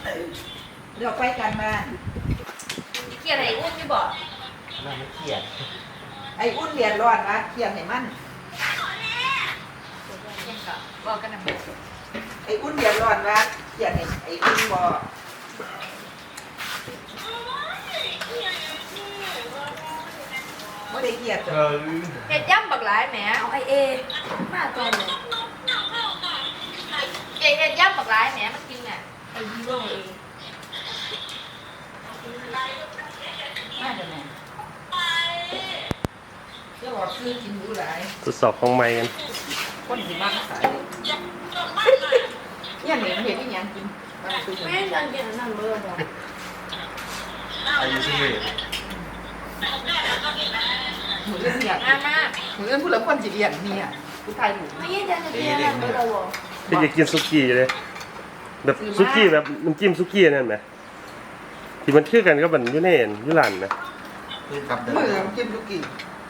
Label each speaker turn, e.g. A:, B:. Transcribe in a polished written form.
A: เดี๋ยวไปกันบ้าน
B: เขียนไอ้อุ้นที่บอก
C: มันไม่เขียน
A: ไอ้อุ่นเรียนร้อนวะเขียนให้มัน
B: ยังก็บอกกันนะ
A: ไอ้อุ่นเรียนร้อนวะเขียนให้ไอ้อุ่นบอกไม่ได้เขียนจ้ะ
B: เห็ดย่ำบักหลายแหมเอาไอเอมาตอนเลยเห็ดย่ำบักหลายแหมมันกินอ่ะไอฮีโร่เอง
A: มาจากไหนเจ้าบอกซื้อกินหมูหลาย
D: ทดสอบของใหม่กัน
A: คนที่มากขายเนี่ยเหนียวเห็นที่ยังกินมาซื้อ
B: แม่ยังกินนั่นเบอร์บอก
C: อายุสิบเอ็ด
A: หมูเรื่องเนี่ย
B: มาก
A: หมูเรื่องผู้หลังคนจีเรียนเนี่ยผู้ไทยหมู
B: ไม่ยังจะกินนั่นเบอร์บอก
D: ที่จะกินซุกี้อยู่เลยแบบซุกี้แบบน้ำจิ้มซุกี้นั่นไหมที่มันคือกันก็แบบยูเนนยูรันนะ
C: คือกับเดิ
A: มือ
C: ม
A: กินลูกกี่